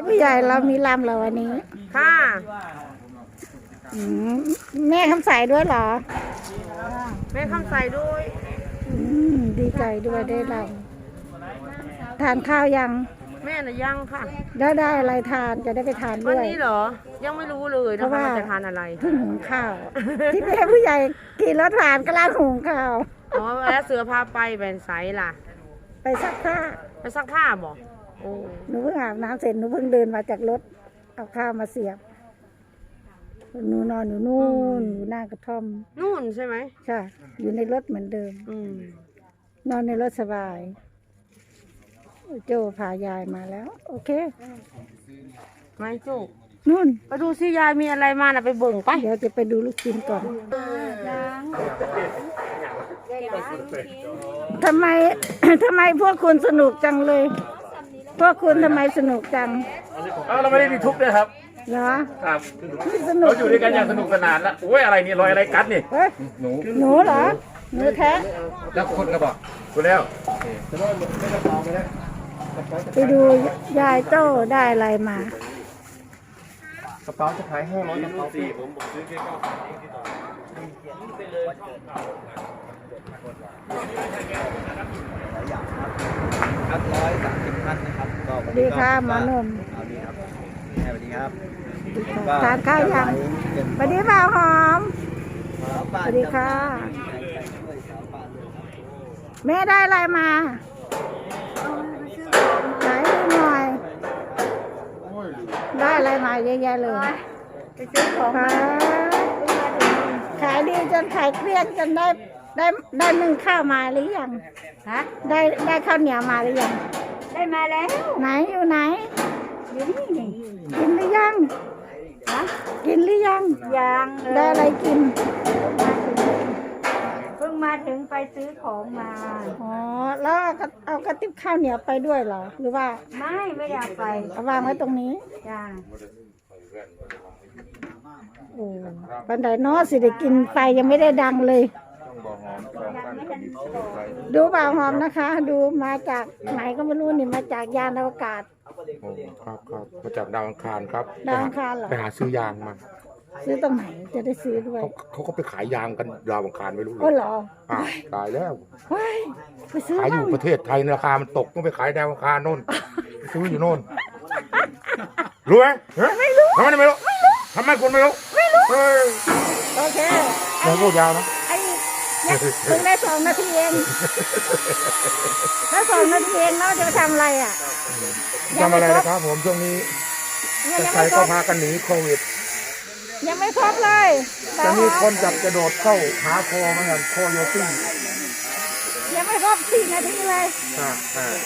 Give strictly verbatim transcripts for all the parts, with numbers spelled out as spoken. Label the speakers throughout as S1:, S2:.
S1: ผู้ใหญ่เรามีลำเราวันนี้
S2: ค่ะ
S1: อืมแม่คำใสด้วยเหรอ
S2: แม่คำใสด้วย
S1: อืมดีใจด้วยได้ลำทานข้าวยัง
S2: แม่น่ะยังค่ะ
S1: ได้ได้อะไรทานจะได้ไปทาน
S2: วัน
S1: ด้วย
S2: นี้เหรอยังไม่รู้เลยนะคะว่าจะทานอะไร
S1: เพิ่งหุงข้าว ที่แม่ผู้ใหญ่กินแล้วทานก็ล้างหุงข้าว
S2: อ๋อแล้วเสือพาไปแบนไซล่ะ
S1: ไปซักผ้า
S2: ไปซักผ้าบอกโอ้
S1: หนูเพิ่งอาบน้ำเสร็จหนูเพิ่งเดินมาจากรถเอาข้าวมาเสียบหนูนอนอยู่นู่นอยู่หน้ากระท่อม
S2: นู่นใช่ไหม
S1: ใช่อยู่ในรถเหมือนเดิม
S2: อืม
S1: นอนในรถสบายโจพายายมาแล้วโอเค
S2: ไม่จุก
S1: นู่น
S2: ไปดูซิยายมีอะไรมาน่ะไปเบิ่งไป
S1: เดี๋ยวจะไปดูลูกชิ้นก่อนทำไม ทำไมพวกคุณสนุกจังเลย พวกคุณทำไมสนุกจัง
S3: เอ้าเราไม่ได้มีทุกข์ด้วยครับ
S1: เหรอ
S3: ครับเราอยู่ด้วยกันอย่างสนุกสนานแล้วโอ้ยอะไรนี่รอยอะไรกัดนี่
S1: หนูหนูเหรอหนูแท้
S3: แล้วคนก็บอกกูแล้ว
S1: ไปดูยายโจ้ได้อะไรมาก
S3: ระเป๋าจะขายห้าร้อยกระเป๋าสี่ผมผมซื้อแค่เก้าสิบเองที่ต่อครับร้อยสามสิบท่านนะครับก็
S1: สวัสดีค่ะหมอหนุ่ม
S3: สวัสดีครับสวัสดีครับ
S1: ทานข้าวยังสวัสดีบ่าวหอมสวัสดีค่ะแม่ได้อะไรมาไหนดูหน่อยได้อะไรมาเยอะแยะเลยไปซื้อของมาขายดีจนขายเครียดจนได้ได้ได้นึ่งข้าวมาหรือยังฮะได้ได้ข้าวเหนียวมาหรือยัง
S2: ได้มาแล้ว
S1: ไหนอยู่ไหน
S2: อยู่นี่นี่
S1: กินหรือยังฮะกินหรือยัง
S2: ยัง
S1: ได้อะไรกิน
S2: เพิ่งมาถึงไปซื้อของมา
S1: อ๋อแล้วเอากระติบข้าวเหนียวไปด้วยเหรอหรือว่า
S2: ไม่ไม่อยากไป
S1: เอาวางไว้ตรงนี้
S2: จ้า
S1: โอ้บันไดน้อสิได้กินไฟยังไม่ได้ดังเลยดูบ่าวหอมนะคะ ดูมาจากไหนก็ไม่รู้นี่มาจากยานอวกาศ
S3: โอ้ครับครับมาจากดาวอังคารครับ
S1: ดาวอังคารเหรอ
S3: ไปหาซื้อยางมา
S1: ซื้อตรงไหนจะได้ซื้อด้วย
S3: เขาก็ไปขายยางกันดาวอังคารไม่รู้เลย
S1: ก็เหรอ
S3: อ่าตายแล้ว
S1: ไปซื้อ
S3: ขายอยู่ประเทศไทยราคามันตกต้องไปขายดาวอังคารโน่นซื้ออยู่โน่นรู้ไหม
S1: ไม่รู้
S3: ทำไมไม่รู้ทำไมคนไม่รู้
S1: ไม่รู้โอเค
S3: เราพูดยาวนะ
S1: ไอ้เนี่ยถึงได้สองนาทีเองแล้วสองนาทีเองเราจะทำอะไรอ่ะ
S3: ทำอะไรนะครับผมช่วงนี้ใครก็พากันหนีโควิด
S1: ยังไม่ครบเลย
S3: จะมีคนจับกระโดดเข้าหาคอเหมือนกันคอโยตี้
S1: ยังไม่ครบสี่นาทีเลย
S3: อ่าอ่า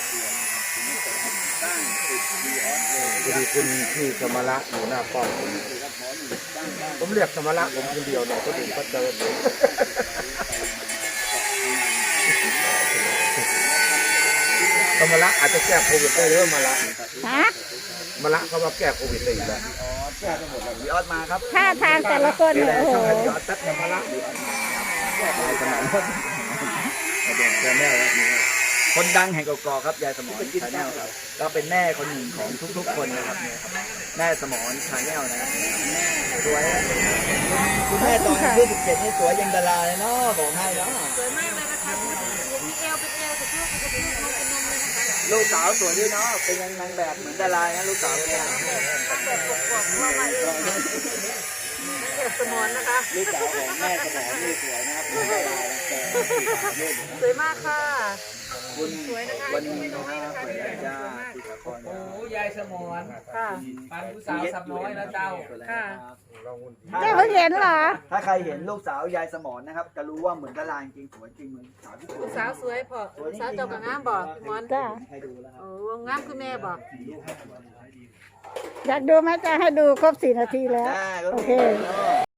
S3: พอดีคุณที่สมระอยู่หน้าป้อมผมผมเรียกสมระผมคนเดียวเนี่ยก็ถึงก็เจอสมระอาจจะแก้โควิดได้หรือมาละ
S1: ฮะ
S3: มาละเขาว่าแก้โควิดได้อีกแล้วแก้ไปหมดแล้วยอดมาครับ
S1: ท่าทางแต่ละคนเนี่ยโอ้โห
S3: ยอดตัดมาละยอดมาสมรแก้แม่คนดังแห่งกอกครับยายสมรชาแนลครับก็เป็นแม่คนหนึ่งของทุกๆคนนะครับแม่สมรชาแนลนะครับสวยคุณแม่ตอนอายุสิบเจ็ดนี่สวยยังดาราเลยเนาะบอกให้เนาะ
S2: สวยมากเลยนะคะมีเอวเป็นเอวแต่ลูกเป็นลูกน้องเป็นนมเลยนะคะ
S3: ลูกสาวสวยด้วยเนาะเป็นยังนางแบบเหมือนดารานะลูกสาวเนี่ย
S2: แบบปกๆว่ามาเองแม่สมรนะคะ
S3: ลูกสาวของแม่สมรนี่สวยนะครับ
S2: สวยมากค่ะ
S3: คุณสวยนะคะวันนี้นะครับคุณย่าติดคอน
S4: โอ้ยายสมร
S2: ค่ะ
S4: ปันผู้สาวสับน้อยแล้วเจ้า
S2: ค่ะ
S1: เจ้าเพิ่งเห็นเหรอ
S3: ถ้าใครเห็นลูกสาวยายสมรนะครับจะรู้ว่าเหมือนดาราจริงสวยจริงเหมือนสาวที่สวย
S2: สาวสวยพอสาวเจ้ากับงามบอกมอน
S1: จ้า
S2: โอ้งามคือแม่บอก
S1: อยากดูไหมจะให้ดูครบสี่นาทีแล้วโอเค